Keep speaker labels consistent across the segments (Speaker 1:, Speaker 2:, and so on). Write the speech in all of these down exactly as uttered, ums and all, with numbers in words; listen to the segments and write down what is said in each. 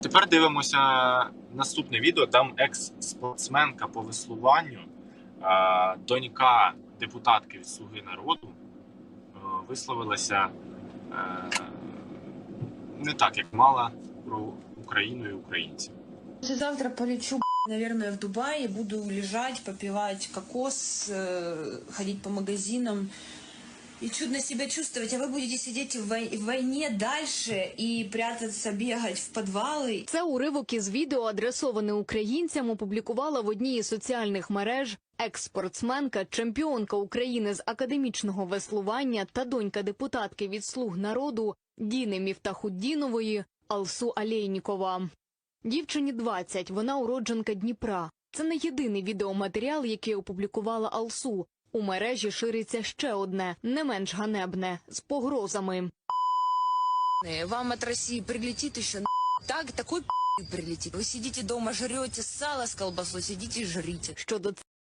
Speaker 1: Тепер дивимося наступне відео. Там екс-спортсменка по веслуванню, донька депутатки від «Слуги народу», висловилася не так, як мала, про Україну і українців.
Speaker 2: Завтра полечу, наверное, в Дубай и буду лежать, попивать кокос, ходить по магазинам и чудно себя чувствовать. А вы будете сидеть в войне дальше и прятаться, бегать в подвалы.
Speaker 3: Це уривок із відео, адресоване українцям, опублікувала в одній із соціальних мереж екс-спортсменка, чемпіонка України з академічного веслування та донька депутатки від «Слуг народу» Діни Міфтахутдінової Алсу Алєйнікова. Дівчині двадцять, вона уродженка Дніпра. Це не єдиний відеоматеріал, який опублікувала Алсу. У мережі шириться ще одне, не менш ганебне, з погрозами.
Speaker 2: Вам от России прилетит еще так, такой прилетит. Вы сидите дома, жрете сало с колбасой, сидите и жрите.
Speaker 3: Щодо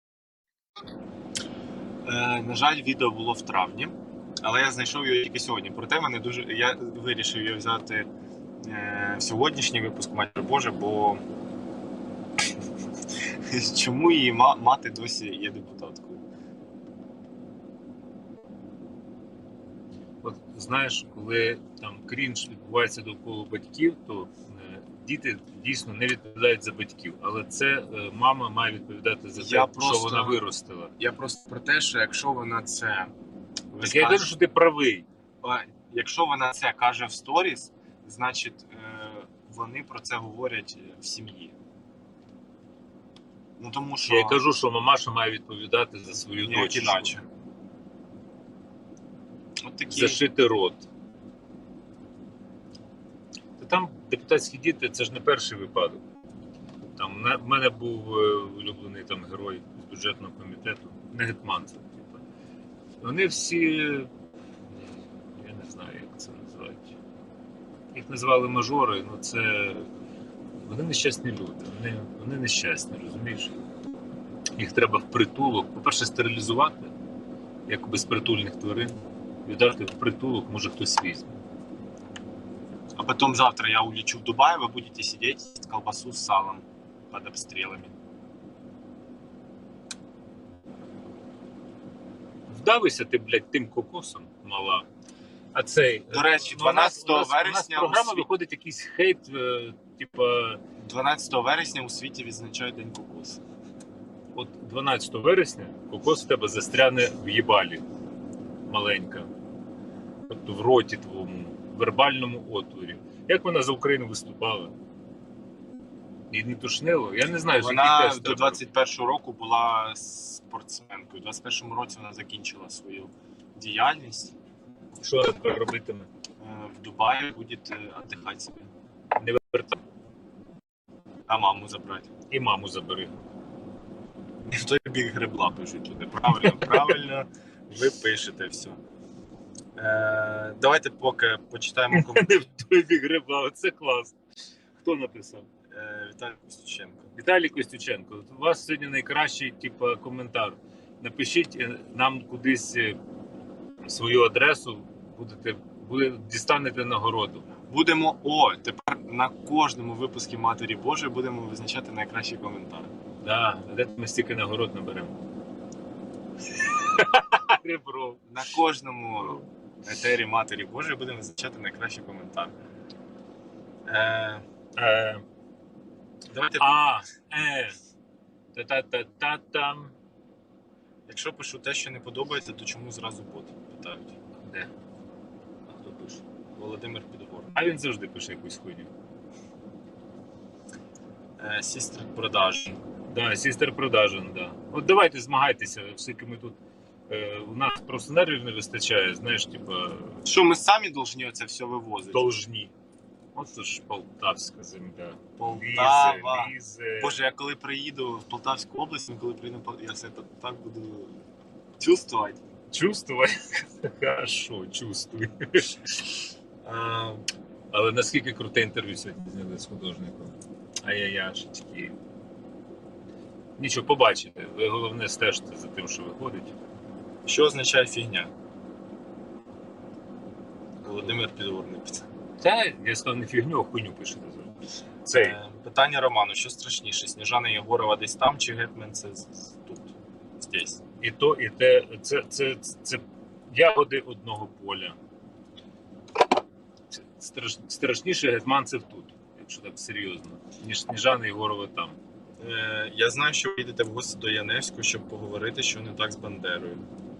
Speaker 1: Е, на жаль, відео було в травні, але я знайшов його тільки сьогодні. Проте мене дуже, я вирішив його взяти е, в сьогоднішній випуск «Матір Божа», бо чому її мати досі є депутаткою?
Speaker 4: От знаєш, коли там крінж відбувається довкола батьків, то е, діти дійсно не відповідають за батьків. Але це е, мама має відповідати за те,
Speaker 1: Я
Speaker 4: що
Speaker 1: просто-
Speaker 4: вона виростила.
Speaker 1: Я просто про те, що якщо вона це...
Speaker 4: Так я кажу, що ти правий.
Speaker 1: А якщо вона це каже в сторіс, значить е, вони про це говорять в сім'ї. Ну тому що...
Speaker 4: Я кажу, що мамаша має відповідати за свою
Speaker 1: ніяк
Speaker 4: дочку.
Speaker 1: іначе. От такі...
Speaker 4: Зашити рот. Та там депутатські діти, це ж не перший випадок. Там в мене був е, улюблений там герой з бюджетного комітету, не гетьман це, типу. Вони всі, я не знаю, як це називати. Їх називали мажори, ну це, вони нещасні люди, вони, вони нещасні, розумієш? Їх треба в притулок, по-перше, стерилізувати, як безпритульних тварин, віддати в притулок, може хтось візьме.
Speaker 1: А потом завтра я улечу в Дубай, вы будете сидеть, есть колбасу с салом под обстрелами.
Speaker 4: Вдавися ти, блядь, тим кокосом, мала. А цей...
Speaker 1: До речі,
Speaker 4: ну, у нас-
Speaker 1: дванадцятого
Speaker 4: у нас- У нас
Speaker 1: вересня
Speaker 4: програма
Speaker 1: у світ-
Speaker 4: виходить якийсь хейт, е, типа,
Speaker 1: дванадцятого вересня у світі відзначають День кокосу.
Speaker 4: от дванадцятого вересня кокос в тебе застряне в їбалі, маленька. Тобто в роті твоєму, в вербальному отворі. Як вона за Україну виступала? І не тушнило? Я не знаю, що який
Speaker 1: Вона
Speaker 4: тест
Speaker 1: до
Speaker 4: треба
Speaker 1: двадцять першого року була спортсменкою. У двадцять першому році вона закінчила свою діяльність.
Speaker 4: робити. Що тепер робитиме?
Speaker 1: Е, В Дубаї буде віддихати собі.
Speaker 4: Не вертай.
Speaker 1: А маму забрати.
Speaker 4: І маму забери.
Speaker 1: І в той бік гребла пишуть туди. Правильно, правильно, ви пишете все. Е, давайте поки почитаємо
Speaker 4: Не
Speaker 1: коментарі.
Speaker 4: в той бік гриба, це клас. Хто написав?
Speaker 1: Е, Віталій Костюченко.
Speaker 4: Віталій Костюченко, от у вас сьогодні найкращий типу, коментар. Напишіть е, нам кудись е, свою адресу, будете, буде, дістанете нагороду.
Speaker 1: Будемо, о, тепер на кожному випуску Матері Божої будемо визначати найкращий коментар.
Speaker 4: Да, а де ми стільки нагород наберемо? Ребро.
Speaker 1: На кожному етері Матері Божої будемо визначати найкращий коментар. Е,
Speaker 4: Е,
Speaker 1: давайте,
Speaker 4: а, е, та-та-та-та-там.
Speaker 1: якщо пишу те, що не подобається, то чому зразу бот? Питають.
Speaker 4: Де? А хто пише?
Speaker 1: Володимир Підгорний.
Speaker 4: А він завжди пише якусь хуйню.
Speaker 1: Е, Сістер продаж.
Speaker 4: Да, сістер продажен, да. От давайте змагайтеся, оскільки ми тут, е, у нас просто нервів не вистачає, знаєш, типа,
Speaker 1: Що ми самі повинні це все вивозити?
Speaker 4: должні. От це ж полтавська земля.
Speaker 1: Полтава.
Speaker 4: Лізе, лізе.
Speaker 1: Боже, я коли приїду в Полтавську область, коли приїду, в Пол- я все так, так буду чувствувати.
Speaker 4: Чувствуй. Хорошо, чувствуй.
Speaker 1: Е,
Speaker 4: Але наскільки круте інтерв'ю сьогодні зняли з художником. Ай-яй-яшечки. Нічого, побачите. Ви головне стежте за тим, що виходить.
Speaker 1: що означає фігня? Володимир Підгорний.
Speaker 4: Та, я сказав, не фігню, а хуйню пишете завжди. Цей.
Speaker 1: Е, Питання Роману: що страшніше? Сніжана Єгорова десь там, чи Гетмен це з- з- тут? Здесь.
Speaker 4: І то, і те, це, це, це, це ягоди одного поля. Це страш, страшніше гетманцев тут, якщо так серйозно, ніж Сніжана Єгорова там.
Speaker 1: Е, Я знаю, що ви йдете в гості до Яневського, щоб поговорити, що не так з Бандерою.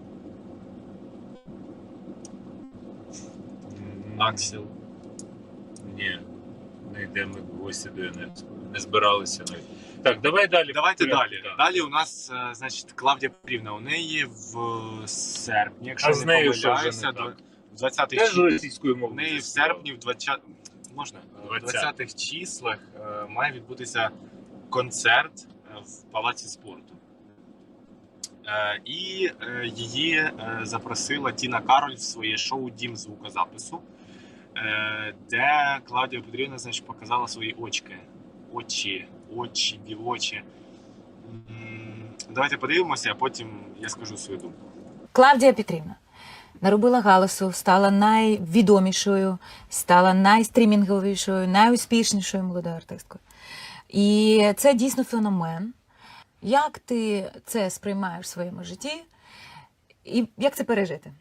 Speaker 1: Аксіл.
Speaker 4: Ні, не йдемо в гості до Яневського. Не збиралися навіть. Так, давай далі.
Speaker 1: Давайте
Speaker 4: Порядку,
Speaker 1: далі.
Speaker 4: так.
Speaker 1: Далі у нас, е, значить, Клавдія Петрівна. У неї в серпні, якщо
Speaker 4: А з
Speaker 1: не
Speaker 4: нею що вже
Speaker 1: помиляюся,
Speaker 4: не
Speaker 1: до-
Speaker 4: так?
Speaker 1: в двадцятих
Speaker 4: Теж
Speaker 1: числах.
Speaker 4: російською
Speaker 1: У
Speaker 4: мовою.
Speaker 1: неї в
Speaker 4: заспівав.
Speaker 1: серпні, в двадцятих можна? В
Speaker 4: двадцятих.
Speaker 1: двадцятих числах е, має відбутися концерт е, в Палаці спорту. Е, І е, її е, запросила Тіна Кароль в своє шоу «Дім звукозапису», е, де Клавдія Петрівна, значить, показала свої очки. Очі, очі, дівочі. М, Давайте подивимося, а потім я скажу свою думку.
Speaker 5: Клавдія Петрівна наробила галасу, стала найвідомішою, стала найстрімінговішою, найуспішнішою молодою артисткою. І це дійсно феномен. Як ти це сприймаєш в своєму житті? І як це пережити?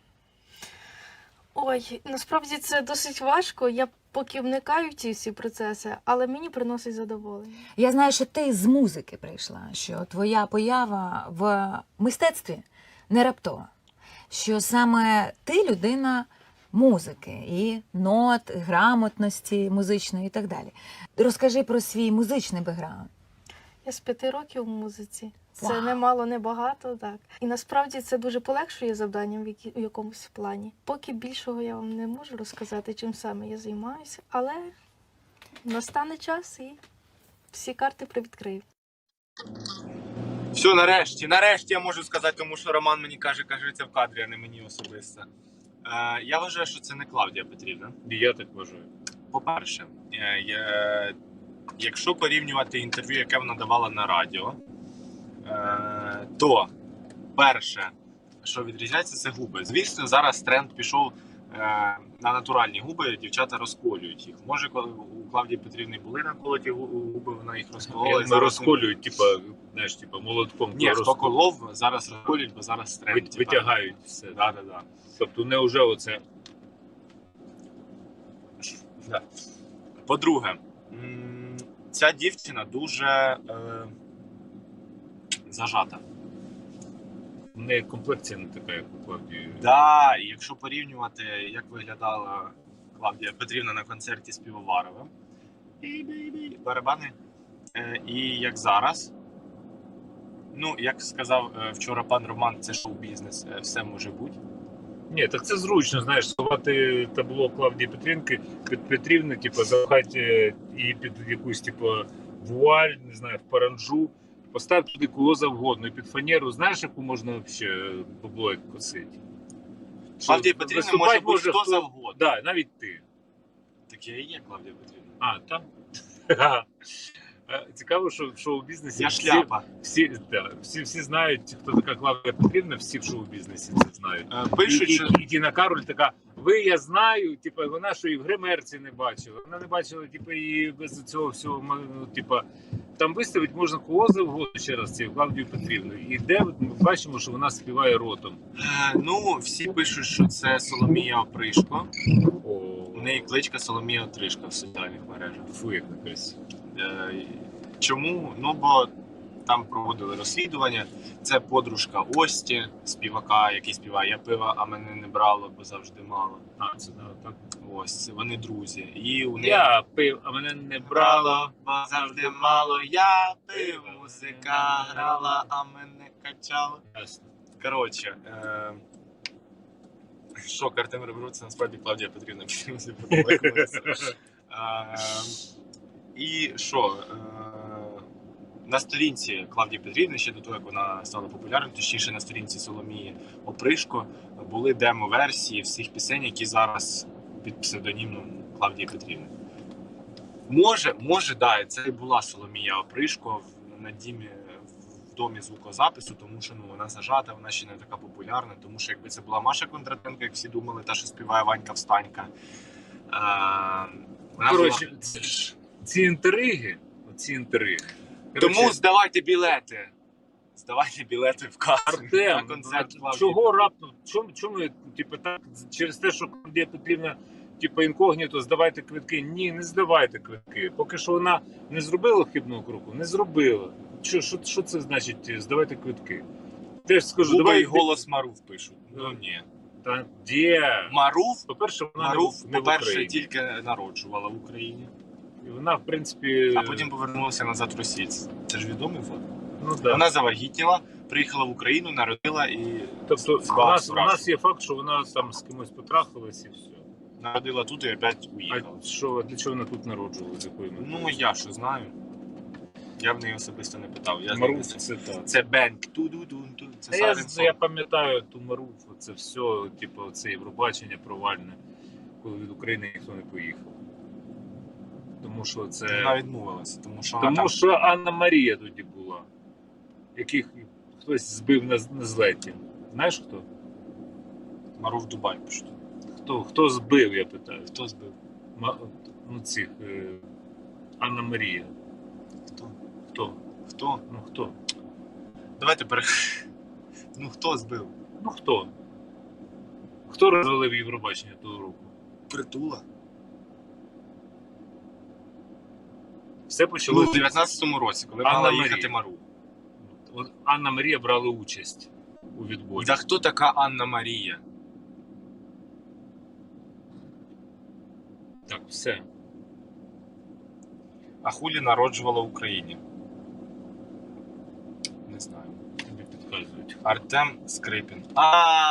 Speaker 6: Ой, насправді це досить важко. Я поки вникаю в ці всі процеси, але мені приносить задоволення.
Speaker 5: Я знаю, що ти з музики прийшла, що твоя поява в мистецтві не раптова, що саме ти людина музики і нот, грамотності музичної і так далі. Розкажи про свій музичний бекграунд.
Speaker 6: Я з п'яти років в музиці. Це
Speaker 5: Вау.
Speaker 6: не мало, не багато, так. І насправді це дуже полегшує завданням в, які, в якомусь плані. Поки більшого я вам не можу розказати, чим саме я займаюся, але настане час і всі карти привідкрию.
Speaker 1: Все, нарешті, нарешті я можу сказати, тому що Роман мені каже, каже, це в кадрі, а не мені особисто. Е, я вважаю, що це не Клавдія Петрівна.
Speaker 4: І я так вважаю.
Speaker 1: По-перше, е, я, якщо порівнювати інтерв'ю, яке вона давала на радіо, е, то перше, що відрізняється, це губи. Звісно, зараз тренд пішов е, на натуральні губи, дівчата розколюють їх. Може, коли у Клавдії Петрівни були наколоті гу- губи, вона їх розколола. і
Speaker 4: Ми
Speaker 1: зараз
Speaker 4: розколюють, типа, знаєш, типа молотком.
Speaker 1: Ні, хто
Speaker 4: розкол-
Speaker 1: колов, зараз розколюють, бо зараз тренд.
Speaker 4: вит- витягають все.
Speaker 1: Да, да, да.
Speaker 4: Тобто не вже оце.
Speaker 1: Да. По-друге, м, ця дівчина дуже е, зажата.
Speaker 4: В неї комплекція не така, як у Клавдії.
Speaker 1: Да, і якщо порівнювати, як виглядала Клавдія Петрівна на концерті з Півоваровим, бі-бі-бі, барабани, е, і як зараз. Ну, як сказав е, вчора пан Роман, це шоу-бізнес, е, все може бути.
Speaker 4: Ні, так це зручно, знаєш, сховати табло Клавдії Петрівки під Петрівни, типу, запхати її під якусь, типу, вуаль, не знаю, в паранджу, поставити туди кого завгодно, і під фанеру, знаєш, яку можна взагалі бабло як косити?
Speaker 1: Клавдія Петрівна
Speaker 4: Виступати
Speaker 1: може бути хто
Speaker 4: хто-
Speaker 1: завгодно.
Speaker 4: Да, навіть ти.
Speaker 1: Так я і є Клавдія Петрівна.
Speaker 4: А, там? Цікаво, що в шоу-бізнесі
Speaker 1: Я
Speaker 4: всі,
Speaker 1: шляпа.
Speaker 4: всі, да, всі, всі знають, хто така Клавдія Петрівна, всі в шоу-бізнесі це знають.
Speaker 1: Е,
Speaker 4: І,
Speaker 1: Пишуть,
Speaker 4: і,
Speaker 1: що
Speaker 4: і Тіна Кароль така, ви, я знаю, типу, вона що і в гримерці не бачила. Вона не бачила, типу, і без цього всього, ну, типу, там виставити можна кого завгодно, ще раз, цю Клавдію Петрівну. І де ми бачимо, що вона співає ротом.
Speaker 1: Е, ну, всі пишуть, що це Соломія Опришко.
Speaker 4: О,
Speaker 1: У неї кличка Соломія Отришка в соціальних мережах.
Speaker 4: фу, як некрасиво.
Speaker 1: Е, Чому? Ну, бо там проводили розслідування. Це подружка Ості, співака, який співає «Я пива, а мене не брало, бо завжди мало».
Speaker 4: А, це да, так.
Speaker 1: Ось, це вони друзі. І у неї
Speaker 4: Я пив, а мене не брало.
Speaker 1: брало, бо завжди мало. Я пив, музика грала, а мене качало.
Speaker 4: Ясно.
Speaker 1: Коротше, е... шок Артем Ребру, це насправді Клавдія Петрівна. Е, І що? Е, На сторінці Клавдії Петрівни, ще до того, як вона стала популярною, точніше на сторінці Соломії Опришко, були демо-версії всіх пісень, які зараз під псевдонімом Клавдії Петрівни. Може, може, да, це і була Соломія Опришко в- на дімі, в домі звукозапису, тому що ну, вона зажата, вона ще не така популярна, тому що якби це була Маша Кондратенко, як всі думали, та, що співає Ванька Встанька. Е, вона
Speaker 4: Коротше,
Speaker 1: була...
Speaker 4: це ж ці інтриги, ці інтриги.
Speaker 1: Тому
Speaker 4: Коротше,
Speaker 1: здавайте білети. Здавайте білети в касу.
Speaker 4: Артем,
Speaker 1: на концерт
Speaker 4: а
Speaker 1: Клавдії
Speaker 4: чого
Speaker 1: Петрівни.
Speaker 4: раптом? Чому, чому типу, так, через те, що Клавдія Петрівна типу, інкогніто, здавайте квитки? Ні, не здавайте квитки. Поки що вона не зробила хибного кроку, не зробила. Що, що, що це значить здавайте квитки? Теж скажу,
Speaker 1: Губи
Speaker 4: давай
Speaker 1: і голос Марув пишуть. Ну ні.
Speaker 4: Та де?
Speaker 1: Марув,
Speaker 4: По-перше, вона
Speaker 1: Марув,
Speaker 4: не, в- не в
Speaker 1: по-перше,
Speaker 4: Україні.
Speaker 1: тільки народжувала в Україні,
Speaker 4: І вона, в принципі,
Speaker 1: а потім повернулася назад в Росію. Це ж відомий факт.
Speaker 4: ну, да.
Speaker 1: Вона завагітніла, приїхала в Україну, народила і
Speaker 4: Тобто у
Speaker 1: спала
Speaker 4: нас, у
Speaker 1: зразу.
Speaker 4: нас є факт, що вона там з кимось потрахалась і все.
Speaker 1: Народила тут і опять уїхала.
Speaker 4: А що, для чого вона тут народжувала? З якої мети?
Speaker 1: Ну я що знаю. Я в неї особисто не питав. Я
Speaker 4: Маруф
Speaker 1: знаю,
Speaker 4: це так.
Speaker 1: це бенк. Ту-ду-дун-ту. Це
Speaker 4: Та я,
Speaker 1: Сарен
Speaker 4: з- я пам'ятаю ту Маруф, це все, типу, це Євробачення провальне, коли від України ніхто не поїхав. Тому що це.
Speaker 1: Вона відмовилася, тому що вона
Speaker 4: Тому
Speaker 1: там
Speaker 4: що Анна Марія тоді була, яких хтось збив на, на злеті. Знаєш хто?
Speaker 1: Маруф Дубай пишуть.
Speaker 4: Хто, хто збив, я питаю.
Speaker 1: Хто збив?
Speaker 4: Ма- ну, цих, е, Анна Марія.
Speaker 1: Хто?
Speaker 4: Хто?
Speaker 1: Хто?
Speaker 4: Ну хто?
Speaker 1: Давайте пере... Ну хто збив?
Speaker 4: Ну хто? Хто розвалив Євробачення того року?
Speaker 1: Притула.
Speaker 4: Все
Speaker 1: Ну,
Speaker 4: почалося.
Speaker 1: в дев'ятнадцятому році, коли
Speaker 4: Анна
Speaker 1: мала
Speaker 4: Марія.
Speaker 1: їхати Маруф.
Speaker 4: От Анна Марія брала участь у відборі.
Speaker 1: Да хто така Анна Марія?
Speaker 4: Так, все.
Speaker 1: А хулі народжувала в Україні? Не знаю.
Speaker 4: Тобі підказують.
Speaker 1: Артем Скрипін. А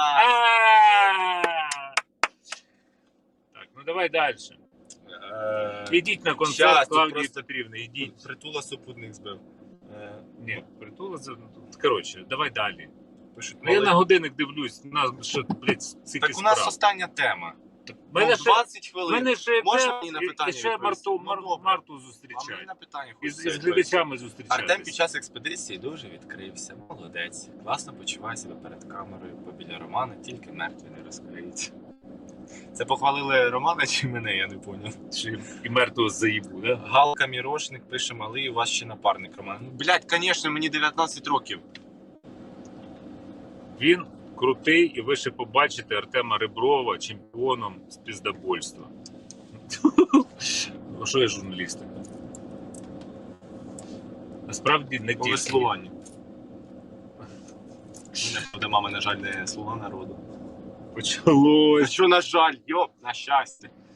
Speaker 4: Так, ну давай далі.
Speaker 1: Е,
Speaker 4: Ідіть на концерт
Speaker 1: щас, тут
Speaker 4: Клавдії
Speaker 1: просто-
Speaker 4: Петрівни, ідіть.
Speaker 1: Притула супутник збив. Е,
Speaker 4: Ні, притула за. Коротше, давай далі.
Speaker 1: Пишуть,
Speaker 4: Ну, я
Speaker 1: малий-
Speaker 4: на годинник дивлюсь, у нас ще, блядь, стільки
Speaker 1: Так у нас
Speaker 4: справ.
Speaker 1: остання тема.
Speaker 4: У мене
Speaker 1: Ну,
Speaker 4: ще,
Speaker 1: двадцять
Speaker 4: в
Speaker 1: хвилин.
Speaker 4: мене ще,
Speaker 1: Можна
Speaker 4: те-
Speaker 1: мені на
Speaker 4: і-
Speaker 1: питання
Speaker 4: і ще
Speaker 1: відповісти?
Speaker 4: Марту,
Speaker 1: Ну,
Speaker 4: Мар,
Speaker 1: добре.
Speaker 4: Марту
Speaker 1: А мені
Speaker 4: зустрічають.
Speaker 1: на питання
Speaker 4: Із,
Speaker 1: хочеться
Speaker 4: із
Speaker 1: відповісти.
Speaker 4: глядачами зустрічатися.
Speaker 1: Артем під час експедиції дуже відкрився. Молодець. Класно почуває себе перед камерою, бо біля Романа тільки мертві не розкриються. Це похвалили Романа чи мене, я не поняв.
Speaker 4: Чи і мертвого заїбу, да?
Speaker 1: Галка Мірошник пише: малий, у вас ще напарник Роман. Ну, блядь, звісно, мені дев'ятнадцять років.
Speaker 4: Він крутий, і ви ще побачите Артема Реброва чемпіоном з піздобольства. Ну, що я журналіст? Насправді не
Speaker 1: По
Speaker 4: тільки.
Speaker 1: веслуванню. Мене буде мама, на жаль, не слуга народу. А
Speaker 4: Почалось.
Speaker 1: що, на жаль, йоп, на щастя.